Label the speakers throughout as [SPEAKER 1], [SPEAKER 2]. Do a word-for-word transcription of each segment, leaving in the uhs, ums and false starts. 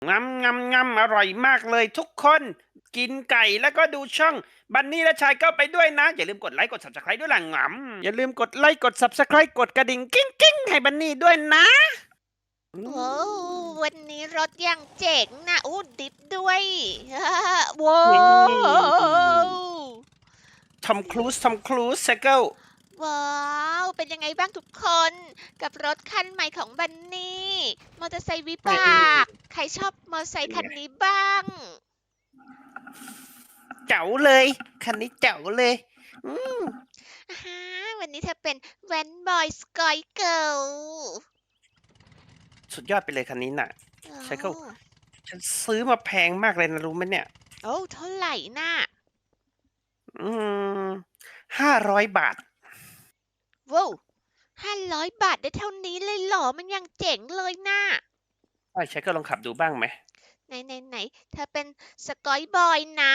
[SPEAKER 1] งำงำงำอร่อยมากเลยทุกคนกินไก่แล้วก็ดูช่องบันนี่และชายก็ไปด้วยนะอย่าลืมกดไลค์กด ซับสไครบ์ ด้วยล่ะงำอย่าลืมกดไลค์กด ซับสไครบ์ กดกระดิ่งกิ้งกิ้งให้บันนี่ด้วยนะอื
[SPEAKER 2] โอ้
[SPEAKER 1] ม
[SPEAKER 2] วันนี้รถยังเจ๋งนะอู้ดิฟด้วยว้า
[SPEAKER 1] นี่
[SPEAKER 2] ว
[SPEAKER 1] ทอมครูซทอมครูซไซเคิล
[SPEAKER 2] ว้าวเป็นยังไงบ้างทุกคนกับรถคันใหม่ของบันนี่มอเตอร์ไซค์วิ
[SPEAKER 1] นี่
[SPEAKER 2] บากใครชอบมอเตอร์ไซ
[SPEAKER 1] เป็นไง
[SPEAKER 2] ค์คันนี้บ้าง
[SPEAKER 1] เจ๋วเลยคันนี้เจ๋วเลยอืม
[SPEAKER 2] อาฮะวันนี้เธอเป็นแว้นบอยสกอยเกิล
[SPEAKER 1] สุดยอดไปเลยคันนี้น่ะ
[SPEAKER 2] โอ้
[SPEAKER 1] ไซเคิลฉันซื้อมาแพงมากเลยนะรู้ไหมเนี่ย
[SPEAKER 2] โอ้เท่าไหร่น่ะ
[SPEAKER 1] อืมห้าร้อยบาท
[SPEAKER 2] ว้าวห้าร้อยบาทได้เท่านี้เลยเหรอมันยังเจ๋งเลยน่ะ
[SPEAKER 1] ใช่ไซเคิลลองขับดูบ้างไหม
[SPEAKER 2] ไหนไหนไหนเธอเป็นสกอยบอยนะ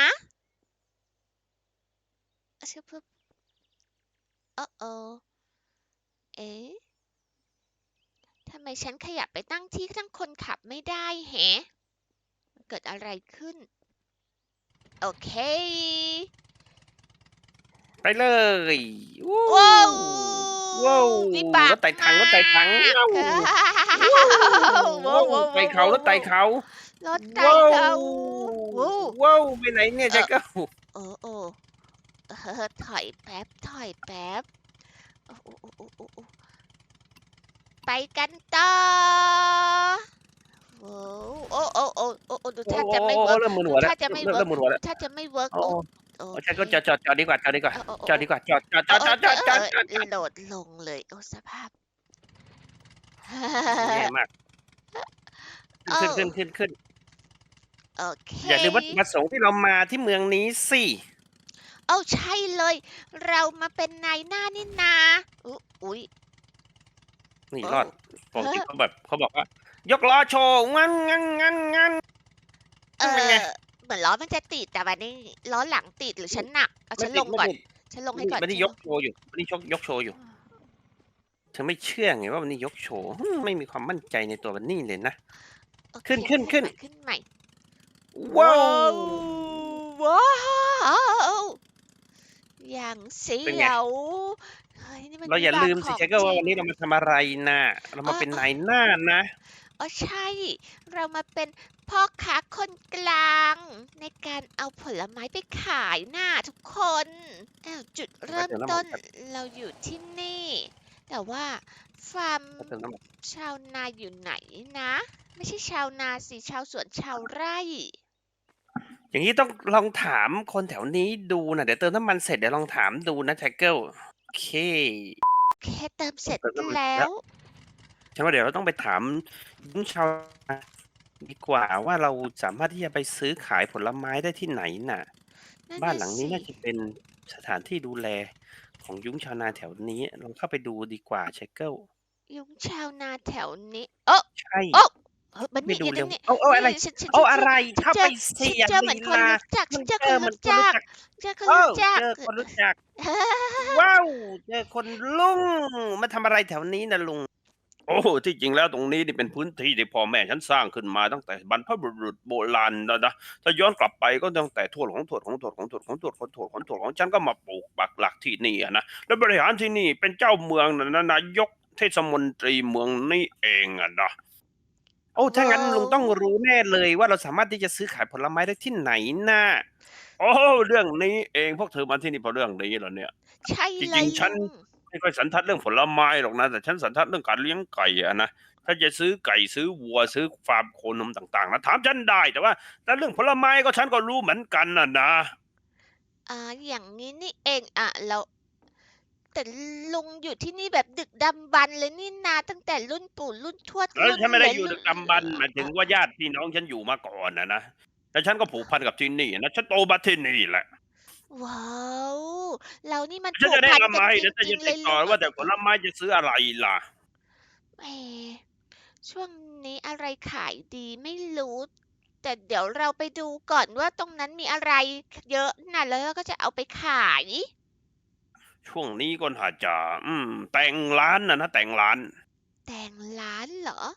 [SPEAKER 2] อะชึบพึบโอ้โอเอ๊ะทำไมฉันขยับไปตั้งที่ทั้งคนขับไม่ได้แฮะเกิดอะไรขึ้น โอเค
[SPEAKER 1] ไปเลยวู้
[SPEAKER 2] ว้าว
[SPEAKER 1] ว้าว
[SPEAKER 2] วิบาก
[SPEAKER 1] รถไต่ถั
[SPEAKER 2] มา
[SPEAKER 1] งรถไต่ถัง
[SPEAKER 2] ก
[SPEAKER 1] ว้าวว้าวว้าว
[SPEAKER 2] ว้าวว้าว
[SPEAKER 1] ไต่เขารถไต่
[SPEAKER 2] ว้าวว้าว
[SPEAKER 1] เขา
[SPEAKER 2] รถไต่
[SPEAKER 1] ว้าว
[SPEAKER 2] เขาว้าว
[SPEAKER 1] ว้าวไปไหนเนี่ย
[SPEAKER 2] เออ
[SPEAKER 1] ใจก็
[SPEAKER 2] โอ้โอ้เออถอยแป๊บถอยแป๊บโอ้โอ้โอ้โอ้โอ้โอ้ไปกันต่อ โอ้โอ้โอ้โอ้โอ้โอ้ดู
[SPEAKER 1] โอ้
[SPEAKER 2] ท่า
[SPEAKER 1] โอ้
[SPEAKER 2] จะไม่เวิร์ก
[SPEAKER 1] เริ่มมึน
[SPEAKER 2] ดู
[SPEAKER 1] หัวแล้ว
[SPEAKER 2] ท่าจะไม่
[SPEAKER 1] เริ่ม
[SPEAKER 2] เวิร์ก
[SPEAKER 1] เริ่มมึนหัวแล้ว
[SPEAKER 2] ดูท่าจะไม่เวิร์ก
[SPEAKER 1] โอ้
[SPEAKER 2] โอ้โอเค
[SPEAKER 1] โอ้ใช่ก็จอดจอดจอดดีกว่าจอดดีกว่า
[SPEAKER 2] โอ้โอ้โอ้
[SPEAKER 1] จอดดีกว่าจอดจอดจ
[SPEAKER 2] โอ้
[SPEAKER 1] อดจอดจอด
[SPEAKER 2] โอ้เออเอ
[SPEAKER 1] จอดจอด
[SPEAKER 2] อ
[SPEAKER 1] จอด
[SPEAKER 2] โหลดลงเลยโอ้สภาพ
[SPEAKER 1] แย่มาก
[SPEAKER 2] โอ้
[SPEAKER 1] ขึ้นขึ้นขึ้นขึ้น
[SPEAKER 2] โอเค
[SPEAKER 1] อย่าลืมวัตถุประสงค์ที่เรามาที่เมืองนี้สิ
[SPEAKER 2] โอ้ใช่เลยเรามาเป็นนายหน้านี่นาอุ๊อุ๊ย
[SPEAKER 1] นี่
[SPEAKER 2] โอ้
[SPEAKER 1] รอดปก
[SPEAKER 2] เฮ้อ
[SPEAKER 1] ติเขาแบบเขาบอกว่ายกล้อโชว์งั้นงั้นงั้นงั้น
[SPEAKER 2] เอ
[SPEAKER 1] เป็นไง
[SPEAKER 2] อเหมือนล้อมันจะติดแต่วันนี้ล้อหลังติดหรือฉันหนักเอา
[SPEAKER 1] ไม่
[SPEAKER 2] ฉันลงก่อน
[SPEAKER 1] ติดไม่ติด
[SPEAKER 2] ฉันลง
[SPEAKER 1] ไม่
[SPEAKER 2] ให้ก่อนฉันลง
[SPEAKER 1] ไม่ได้ยกโชว์อยู่ไม่ได้ชกยกโชว์อยู่เธอไม่เชื่อไงว่าวันนี้ยกโชว์ฮึ่มไม่มีความมั่นใจในตัวบันนี่เลยนะ
[SPEAKER 2] โอเค
[SPEAKER 1] ขึ้นขึ้นขึ้น
[SPEAKER 2] ขึ้นใหม่ขึ้นใหม่
[SPEAKER 1] ว้า
[SPEAKER 2] ว้า
[SPEAKER 1] ว
[SPEAKER 2] วว้าวอย่างเสี
[SPEAKER 1] เป็นไง
[SPEAKER 2] ยวเฮ้ยนี่มัน
[SPEAKER 1] เราอย่า
[SPEAKER 2] วิบาก
[SPEAKER 1] ลืมสิ
[SPEAKER 2] ของ
[SPEAKER 1] Jagger
[SPEAKER 2] จริง
[SPEAKER 1] ว่าวันนี้เรามาทำอะไรน่ะเรา
[SPEAKER 2] อ้อ
[SPEAKER 1] มาเป็น
[SPEAKER 2] อ้อ
[SPEAKER 1] นายหน้านะ
[SPEAKER 2] อ้อใช่เรามาเป็นพ่อค้าคนกลางในการเอาผลไม้ไปขายน่ะทุกคนอ้าวจุด
[SPEAKER 1] แวะ
[SPEAKER 2] เริ่ม
[SPEAKER 1] เติมน้ำมัน
[SPEAKER 2] ต้น
[SPEAKER 1] แป๊บ
[SPEAKER 2] เราอยู่ที่นี่แต่ว่าฟาร์ม
[SPEAKER 1] แวะเติมน้ำมัน
[SPEAKER 2] ชาวนาอยู่ไหนนะไม่ใช่ชาวนาสิชาวสวนชาวไร่
[SPEAKER 1] อย่างงี้ต้องลองถามคนแถวนี้ดูน่ะเดี๋ยวเติมน้ำมันเสร็จเดี๋ยวลองถามดูนะ Jagger โอเค
[SPEAKER 2] แค่เติมเสร็จ
[SPEAKER 1] เติมน้ำมันเสร็จ
[SPEAKER 2] แล้ว
[SPEAKER 1] แล้วฉันว่าเดี๋ยวเราต้องไปถามหญิงชาวนาดีกว่าว่าเราสามารถที่จะไปซื้อขายผลไม้ได้ที่ไหนน่ะ
[SPEAKER 2] นั่น
[SPEAKER 1] บ้านหลังนี้
[SPEAKER 2] น่ะสิ
[SPEAKER 1] น่าจะเป็นสถานที่ดูแลของยุ้งชาวนาแถวนี้ลองเข้าไปดูดีกว่า Jagger
[SPEAKER 2] ยุ้งชาวนาแถวนี้โอ๊ะ
[SPEAKER 1] ใช่
[SPEAKER 2] โอ๊ะเฮ้ยบัน
[SPEAKER 1] ไปดูเร็ว
[SPEAKER 2] นี่อยู่ตรงนี้
[SPEAKER 1] อ้าวอ้าวอะไร
[SPEAKER 2] นี่ฉันฉันฉันฉัน
[SPEAKER 1] อ้าวอะไรเข้าไป
[SPEAKER 2] ฉันเจอ
[SPEAKER 1] สิอย่า
[SPEAKER 2] ฉันเจอเหมือนคน
[SPEAKER 1] ลีลา
[SPEAKER 2] รู้จักฉั
[SPEAKER 1] มัน
[SPEAKER 2] นเจอคน
[SPEAKER 1] เจอเหมือนคน
[SPEAKER 2] รู้จัก
[SPEAKER 1] รู้จัก
[SPEAKER 2] เจอคน
[SPEAKER 1] เออ
[SPEAKER 2] รู้จัก
[SPEAKER 1] เจอคนรู้จักว้าวเจอคนลุงมาทำอะไรแถวนี้น่ะลุงโอ้ที่จริงแล้วตรงนี้นี่เป็นพื้นที่ที่พ่อแม่ฉันสร้างขึ้นมาตั้งแต่บรรพบุรุษโบราณแล้วนะถ้าย้อนกลับไปก็ตั้งแต่ทวดของทวดของทวดของทวดของทวดของทวดของทวดของฉันก็มาปลูกปักหลักที่นี่อะนะแล้วบริหารที่นี่เป็นเจ้าเมืองนะนายกเทศมนตรีเมืองนี่เองอะนะโอ้ถ้า
[SPEAKER 2] ว้า
[SPEAKER 1] งั้นลุง
[SPEAKER 2] ว
[SPEAKER 1] ต้องรู้แน่เลยว่าเราสามารถที่จะซื้อขายผลไม้ได้ที่ไหนน่ะโอ้เรื่องนี้เองพวกเธอมาที่นี่เพราะเรื่องนี้เหรอเนี่ย
[SPEAKER 2] ใช่
[SPEAKER 1] จ
[SPEAKER 2] เลย
[SPEAKER 1] ริงๆฉัน
[SPEAKER 2] ลุง
[SPEAKER 1] ไม่ค่อยสันทัดเรื่องผลไม้หรอกนะแต่ฉันสันทัดเรื่องการเลี้ยงไก่อะนะถ้าจะซื้อไก่ซื้อวัวซื้อฟาร์มโคนมต่างๆนะถามฉันได้แต่ว่าแต่เรื่องผลไม้ก็ฉันก็รู้เหมือนกันน่ะนะ
[SPEAKER 2] อ่าอย่างนี้นี่เองอ่ะแล้วแต่ลุงอยู่ที่นี่แบบดึกดำบรรพ์เลยนี่นาตั้งแต่รุ่นปู่รุ่นทวด
[SPEAKER 1] แล้ว
[SPEAKER 2] รุ่น
[SPEAKER 1] ฉันไม่
[SPEAKER 2] เหลนรุ่น
[SPEAKER 1] ได้อยู่ดึกดำบรรพ์หมายถึ
[SPEAKER 2] อ่ะ
[SPEAKER 1] งว่าญาติพี่น้องฉันอยู่มาก่อนนะนะแล้วฉันก็ผูกพันกับที่นี่นะฉันโตมาที่นี่แหละ
[SPEAKER 2] ว้าวเรานี่มัน
[SPEAKER 1] ฉันจะแนะ
[SPEAKER 2] ผูกพัน
[SPEAKER 1] นำมาให้
[SPEAKER 2] กันจ
[SPEAKER 1] เดี๋ยวฉันจะ
[SPEAKER 2] ริงๆเลยลุง
[SPEAKER 1] ติดต่อว่าแต่ผลไม้จะซื้ออะไรล่ะ
[SPEAKER 2] แหมช่วงนี้อะไรขายดีไม่รู้แต่เดี๋ยวเราไปดูก่อนว่าตรงนั้นมีอะไรเยอะน่ะแล้วเราก็จะเอาไปขาย
[SPEAKER 1] ช่วงนี้ก็อาจจะอืมแต่งร้านนะนะแต่งร้าน
[SPEAKER 2] แต่งร้านเหรอ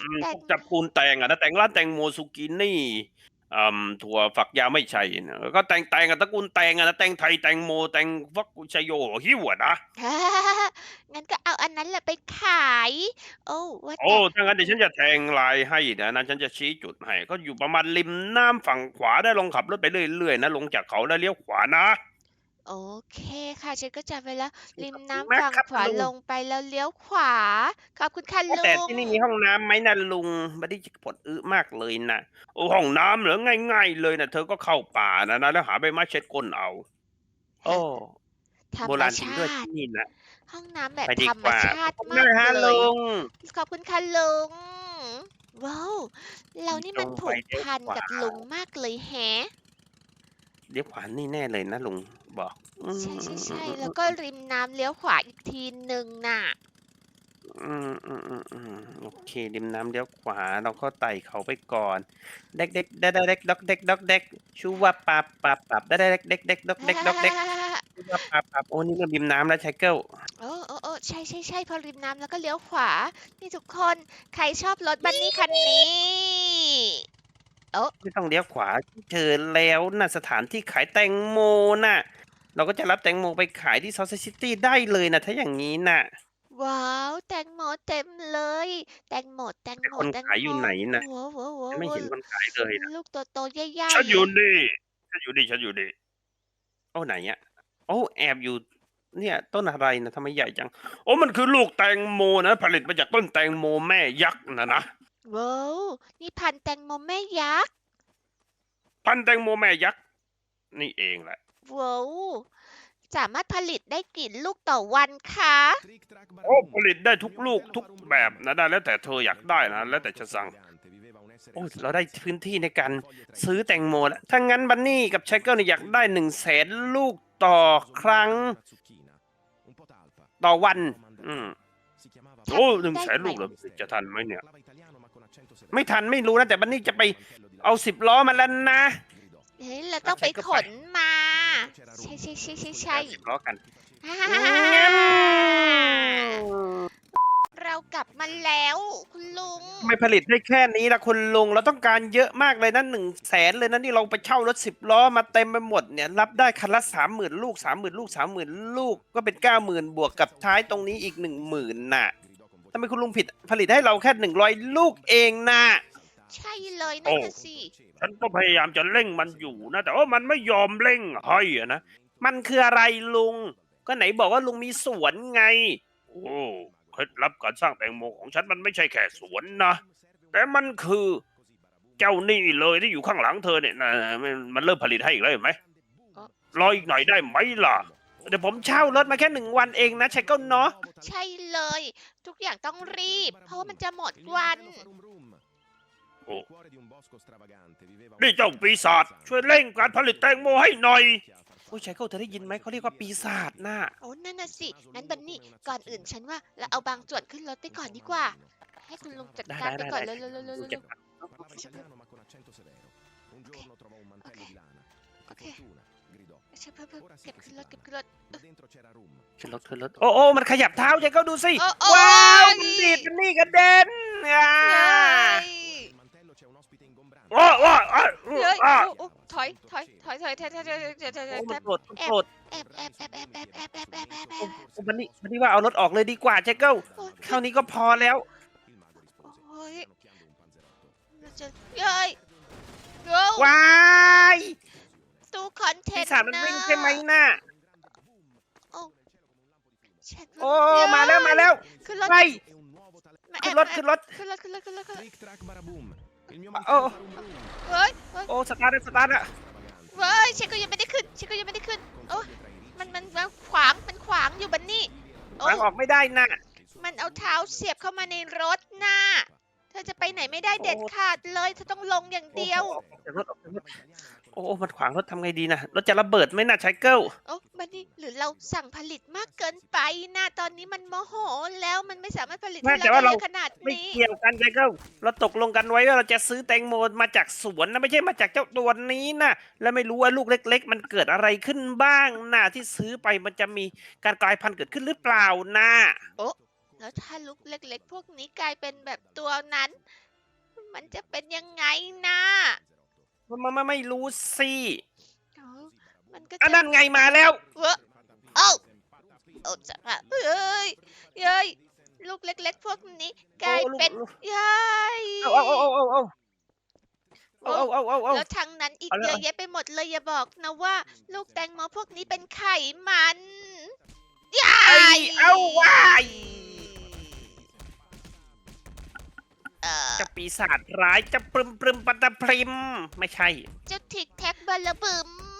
[SPEAKER 1] อืม
[SPEAKER 2] แตง
[SPEAKER 1] พวกตระกูลแตงอะนะแตงร้านแตงโมซูกินี่อ่าถั่วฝักยาวไม่ใช่นะแล้วก็แตงแตงอะตระกูลแตงอะนะแตงไทยแตงโมแตงฟักชโยหิ้วอะนะ
[SPEAKER 2] งั้นก็เอาอันนั้นแหละไปขาย โอ้ว่า
[SPEAKER 1] โอ้
[SPEAKER 2] แต่
[SPEAKER 1] ถ้างั้น
[SPEAKER 2] อืม
[SPEAKER 1] เดี๋ยวฉันจะแทงลายให้เดี๋ยวนะฉันจะชี้จุดให้ก็อยู่ประมาณริมน้ำฝั่งขวาได้ลองขับรถไปเรื่อยๆนะลงจากเขาแล้วเลี้ยวขวานะ
[SPEAKER 2] โอเคค่ะฉันก็จำไว้แล้วริม
[SPEAKER 1] ขอบคุณ
[SPEAKER 2] น้ำฝั่ง
[SPEAKER 1] มากครับ
[SPEAKER 2] ขวา
[SPEAKER 1] ลุง
[SPEAKER 2] ลงไปแล้วเลี้ยวขวาขอบคุณค่ะ
[SPEAKER 1] ว่าแต่
[SPEAKER 2] ลุง
[SPEAKER 1] ที่นี่มีห้องน้ำไหมนะลุงบัดนี้จะปวดอึมากเลยนะโอ้ห้องน้ำเหรอง่ายๆเลยนะเธอก็เข้าป่านะนะแล้วหาใบไม้เช็ดก้นเอาโอ้
[SPEAKER 2] ฮะธรรม
[SPEAKER 1] โบราณจริงด้วย
[SPEAKER 2] ชาติ
[SPEAKER 1] ที่นี่นะ
[SPEAKER 2] ห้องน้ำแบ
[SPEAKER 1] ไป
[SPEAKER 2] บธรรม
[SPEAKER 1] ดีกว่า
[SPEAKER 2] ชาติ
[SPEAKER 1] ขอบคุณ
[SPEAKER 2] มาก
[SPEAKER 1] มากฮะ
[SPEAKER 2] เลย
[SPEAKER 1] ลุง
[SPEAKER 2] ขอบคุณค่ะลุงว้าวเรานี่
[SPEAKER 1] ตรงไป
[SPEAKER 2] มันผูก
[SPEAKER 1] เลี้ยว
[SPEAKER 2] พัน
[SPEAKER 1] ขวา
[SPEAKER 2] กับลุงมากเลยแฮะ
[SPEAKER 1] เลี้ยวขวานี่แน่เลยนะลุงบอกอื
[SPEAKER 2] ใช่ๆๆแล้วก็
[SPEAKER 1] ม
[SPEAKER 2] ริมน้ำเลี้ยวขวาอีกทีหนึ่งน่ะ
[SPEAKER 1] อืมอืมอืมอืมโอเคริมน้ำเลี้ยวขวาเราก็ไต่เขาไปก่อนเด็กเด็กเด็กเด็กด็อกเด็กด็อกเด็กชูว่าปับปับปับเด็กเด็กเด็กเด็กด็อกเด็กด็อกเด็กชูว่าปับปับโอ้นี่ก็ริมน้ำแล้วไชเกิล
[SPEAKER 2] โอ้โอ้ๆๆใช่ๆๆพอริมน้ำแล้วก็เลี้ยวขวานี่ทุกคนใครชอบรถบันนี่คันนี้โอ้
[SPEAKER 1] ไม่ต้องเลี้ยวขวาเจอแล้วน่ะสถานที่ขายแตงโมน่ะเราก็จะรับแตงโมไปขายที่ซอสซิตี้ได้เลยนะถ้าอย่างนี้น่ะ
[SPEAKER 2] ว้าวแตงโมเต็มเลยแตงโมแตง
[SPEAKER 1] แต่
[SPEAKER 2] โม
[SPEAKER 1] คน
[SPEAKER 2] แตงโม
[SPEAKER 1] ขายอยู่ไหนน่ะ
[SPEAKER 2] โว้
[SPEAKER 1] ฉันไม่เห็น
[SPEAKER 2] ๆๆ
[SPEAKER 1] คนขายเลยนะ
[SPEAKER 2] ๆลูกโตๆใหญ่
[SPEAKER 1] ฉันอยู่
[SPEAKER 2] ๆ
[SPEAKER 1] นี่ฉันอยู่นี่ฉันอยู่นี่ โอ้ไหนอะโอ้แอบอยู่เนี่ยต้นอะไรนะทำไมใหญ่จังโอ้มันคือลูกแตงโมนะผลิตมาจากต้นแตงโมแม่ยักษ์นะนะ
[SPEAKER 2] ว้าวนี่พันธุ์แตงโมแม่ยักษ์
[SPEAKER 1] พันธุ์แตงโมแม่ยักษ์นี่เองแหละ
[SPEAKER 2] ว้าวสามารถผลิตได้กี่ลูกต่อวันคะ
[SPEAKER 1] โอ้ผลิตได้ทุกลูกทุกแบบนะได้แล้วแต่เธออยากได้นะแล้วแต่จะสั่งโอ้เราได้พื้นที่ในการซื้อแตงโมแล้วถ้างั้นบันนี่กับไชเกิลเนี่ยอยากได้หนึ่งแสนลูกต่อครั้งต่อวันอืมโอ้หนึ่ง
[SPEAKER 2] ได้
[SPEAKER 1] แสน
[SPEAKER 2] ไหม
[SPEAKER 1] ลูกเหรอจะทันไหมเนี่ยไม่ทันไม่รู้นะแต่บันนี่จะไปเอาสิบล้อมาแล้วนะ
[SPEAKER 2] เฮ้ยเรา
[SPEAKER 1] อา
[SPEAKER 2] ต้องไป
[SPEAKER 1] ใช้ก็ไป
[SPEAKER 2] ขนมาใช่ใช่ใช่ใช่ใช่
[SPEAKER 1] ไปเอาสิบล้อกัน
[SPEAKER 2] ฮ่า
[SPEAKER 1] งั้น
[SPEAKER 2] เรากลับมาแล้วคุณลุง
[SPEAKER 1] ทำไมผลิตได้แค่นี้ล่ะคุณลุงเราต้องการเยอะมากเลยนะหนึ่งแสนเลยนะนี่เราไปเช่ารถสิบล้อมาเต็มไปหมดเนี่ยรับได้คันละสามหมื่นลูกสามหมื่นลูกสามหมื่นลูกก็เป็นเก้าหมื่นบวกกับท้ายตรงนี้อีกหนึ่งหมื่นน่ะทำไมคุณลุงผิดผลิตให้เราแค่หนึ่งร้อยลูกเองน่ะ
[SPEAKER 2] ใช่เลยนั่
[SPEAKER 1] โอ้
[SPEAKER 2] นน่ะสิ
[SPEAKER 1] ฉันก็พยายามจะเร่งมันอยู่นะแต่ว่ามันไม่ยอมเร่งให้อะนะมันคืออะไรลุงก็ไหนบอกว่าลุงมีสวนไงโอ้เคล็ดลับการสร้างแตงโมของฉันมันไม่ใช่แค่สวนนะ แต่มันคือเจ้านี่เลยที่อยู่ข้างหลังเธอเนี่ยนะมันมันเริ่มผลิตให้อีกแล้วเห็นไหม
[SPEAKER 2] อ๋อ
[SPEAKER 1] รออีกหน่อยได้ไหมล่ะเดี๋ยวผมเช่ารถมาแค่หนึ่งวันเองนะใช่ก็เนาะ
[SPEAKER 2] ใช่เลยทุกอย่างต้องรีบเพราะว่ามันจะหมดวัน
[SPEAKER 1] โอ้นี่เจ้าปีศาจช่วยเร่งการผลิตแตงโมให้หน่อยโอ้ยชายเกิลเธอได้ยินไหมเขาเรียกว่าปีศาจน่ะ
[SPEAKER 2] โอ้นั่นน่ะสิงั้นบันนี่ก่อนอื่นฉันว่าเราเอาบางส่วนขึ้นรถไปก่อนดีกว่าให้คุณลุงจัด
[SPEAKER 1] ได้
[SPEAKER 2] การไป
[SPEAKER 1] ได้ได้ได้
[SPEAKER 2] ก่อนเร็วๆๆๆๆๆ
[SPEAKER 1] ดูเก็บ
[SPEAKER 2] โอเคโอเคใช่เพิ่มเพิ่มเก็บขึ้นรถเก็บขึ้นรถ
[SPEAKER 1] ขึ้นรถขึ้นรถโอ้โอ้มันขยับเท้าชายเกิลดูสิ
[SPEAKER 2] โอ้โอ้
[SPEAKER 1] ว้าว
[SPEAKER 2] ย
[SPEAKER 1] มันดีดมันนี่กระเด็นอ่า
[SPEAKER 2] เฮ้ย
[SPEAKER 1] โอ้โอ้โอ้โอ้
[SPEAKER 2] เฮ้ย
[SPEAKER 1] อ่า
[SPEAKER 2] โอ้โอ้ถอยถอยถอยถอยถอยถอยถอยถอยถอยถอยถ
[SPEAKER 1] โอ้
[SPEAKER 2] อย
[SPEAKER 1] มันโกรธมัน
[SPEAKER 2] แอ
[SPEAKER 1] โกร
[SPEAKER 2] บ
[SPEAKER 1] ธ
[SPEAKER 2] แอบแอบแอบแอบแอบแอบแอบแอบแอบแอบแอ
[SPEAKER 1] โอ้
[SPEAKER 2] บ
[SPEAKER 1] โอ้บันนี่บันนี่ว่าเอารถออกเลยดีกว่าเจ๊เกิล
[SPEAKER 2] โอ้ย
[SPEAKER 1] เท่านี้ก็พอแล้ว
[SPEAKER 2] โอ้ยเราจะเฮ้ยโอ้
[SPEAKER 1] ว้าย
[SPEAKER 2] ตู้คอนเท
[SPEAKER 1] ปี
[SPEAKER 2] น
[SPEAKER 1] ศาจมัน
[SPEAKER 2] เนอ
[SPEAKER 1] วิ่งใช่ไหม
[SPEAKER 2] ร์
[SPEAKER 1] น่ะ
[SPEAKER 2] โอ้เช็ด
[SPEAKER 1] โอ้
[SPEAKER 2] เย
[SPEAKER 1] มาแล้วมาแล้ว
[SPEAKER 2] ขึ้นรถ
[SPEAKER 1] ไป
[SPEAKER 2] มาแอ
[SPEAKER 1] ขึ้น
[SPEAKER 2] บมาแอบ
[SPEAKER 1] รถขึ้นรถ
[SPEAKER 2] ขึ้นรถขึ้นรถขึ้นรถขึ้นรถ
[SPEAKER 1] โอ้
[SPEAKER 2] เฮ้ยเฮ้ย
[SPEAKER 1] โอ้สตาร์ทแล้วสตาร์ทแล้ว
[SPEAKER 2] เฮ้ยเช็คก็ยังไม่ได้ขึ้นเช็คก็ยังไม่ได้ขึ้นโอ้มันมันมันขวางมันขวางอยู่บันนี่โอ้
[SPEAKER 1] วางออกไม่ได้น่ะ
[SPEAKER 2] มันเอาเท้าเสียบเข้ามาในรถน่ะเธอจะไปไหนไม่ได้เด็ด
[SPEAKER 1] โอ้
[SPEAKER 2] ขาดเลยเธอต้องลงอย่าง
[SPEAKER 1] โอ้
[SPEAKER 2] เดียว
[SPEAKER 1] ออกจากรถออกจากรถโอ้มันขวางรถทำไงดีนะรถจะระเบิดไหมน่ะไชเกิล
[SPEAKER 2] โอ้บันนี่หรือเราสั่งผลิตมากเกินไปนะตอนนี้มันโมโหแล้วมันไม่สามารถผลิต
[SPEAKER 1] ไม่
[SPEAKER 2] ให้เรา
[SPEAKER 1] แต่ว่าเรา
[SPEAKER 2] ได้เยอะขนาด
[SPEAKER 1] ไม่
[SPEAKER 2] นี้
[SPEAKER 1] เกี่ยวกันไชเกิลเราตกลงกันไว้ว่าเราจะซื้อแตงโมมาจากสวนนะไม่ใช่มาจากเจ้าตัวนี้นะแล้วไม่รู้ว่าลูกเล็กๆมันเกิดอะไรขึ้นบ้างนะที่ซื้อไปมันจะมีการกลายพันธุ์เกิดขึ้นหรือเปล่านะ
[SPEAKER 2] โอ้แล้วถ้าลูกเล็กๆ พวกนี้กลายเป็นแบบตัวนั้น มันจะเป็นยังไงนะ
[SPEAKER 1] มันไม่ไม่รู้สิ
[SPEAKER 2] อ๋อมันก็
[SPEAKER 1] อัน
[SPEAKER 2] จะ
[SPEAKER 1] นั้นไงมาแล้ว
[SPEAKER 2] เว้อเอ้าโอ้จะอะเอ้ยเย้ยลูกเล็กๆ พวกนี้กลาย
[SPEAKER 1] โอ้ลูก
[SPEAKER 2] เป็น
[SPEAKER 1] ลูก
[SPEAKER 2] เย้ย
[SPEAKER 1] เอาเอาเอาเอาเอาเอาเอาเอาเอาเอา
[SPEAKER 2] แล้วทางนั้นอีก
[SPEAKER 1] เอาเลย
[SPEAKER 2] เยอะแยะไปหมดเลยอย่าบอกนะว่า ลูกแตงโมพวกนี้เป็นไขมันยา
[SPEAKER 1] ไอ้
[SPEAKER 2] ย
[SPEAKER 1] เอาว้าย
[SPEAKER 2] เอ่อ
[SPEAKER 1] เจะปีศาจร้ายเจะปรึมปรึมปัตตะพริม ไม่ใช่
[SPEAKER 2] เจ้าทิกแท็กบาลาบึม